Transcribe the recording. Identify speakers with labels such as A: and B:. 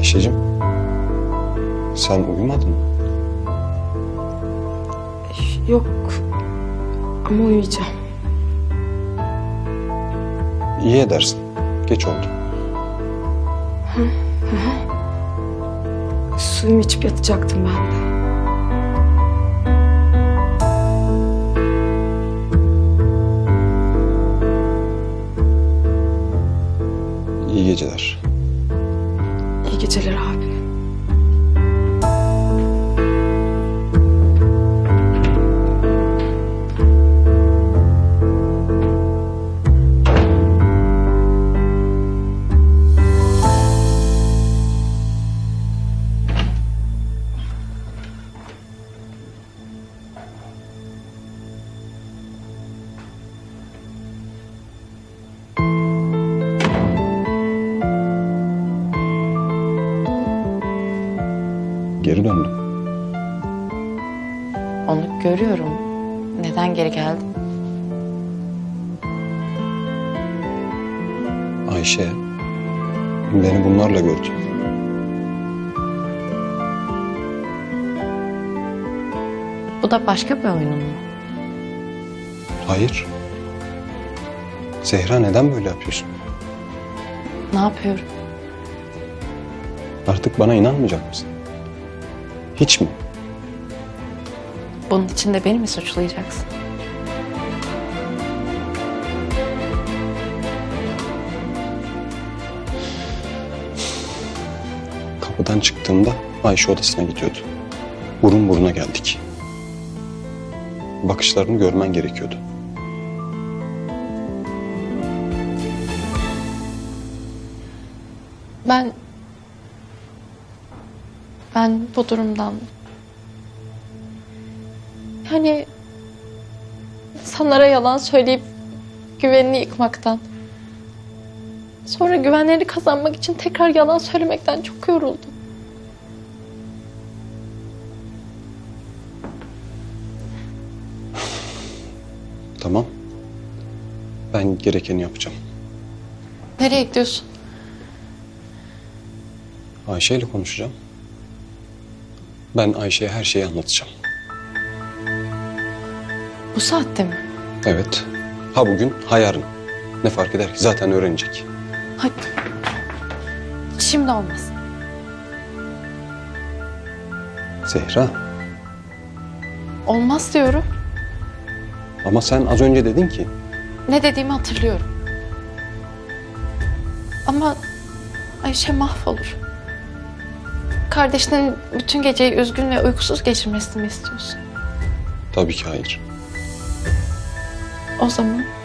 A: Ayşe'cim, sen uyumadın mı?
B: Yok ama uyuyacağım.
A: İyi edersin. Geç oldu.
B: Suyumu içip yatacaktım ben de.
A: İyi geceler.
B: İyi geceler abi.
A: Geri döndüm.
C: Onu görüyorum. Neden geri geldin?
A: Ayşe beni bunlarla gördü.
C: Bu da başka bir oyunun mu?
A: Hayır. Zehra, neden böyle yapıyorsun?
C: Ne yapıyorum?
A: Artık bana inanmayacak mısın? Hiç mi?
C: Bunun için de beni mi suçlayacaksın?
A: Kapıdan çıktığımda Ayşe odasına gidiyordu. Burun buruna geldik. Bakışlarını görmen gerekiyordu.
C: Ben bu durumdan... Yani insanlara yalan söyleyip güvenini yıkmaktan... Sonra güvenlerini kazanmak için tekrar yalan söylemekten çok yoruldum.
A: Tamam. Ben gerekeni yapacağım.
C: Nereye gidiyorsun?
A: Ayşe ile konuşacağım. Ben Ayşe'ye her şeyi anlatacağım.
C: Bu saatte mi?
A: Evet. Ha bugün, ha yarın. Ne fark eder ki? Zaten öğrenecek.
C: Hadi. Şimdi olmaz.
A: Zehra,
C: Olmaz diyorum.
A: ama sen az önce dedin ki...
C: Ne dediğimi hatırlıyorum. Ama Ayşe mahvolur. Kardeşinin bütün geceyi üzgün ve uykusuz geçirmesini mi istiyorsun?
A: Tabii ki hayır.
C: O zaman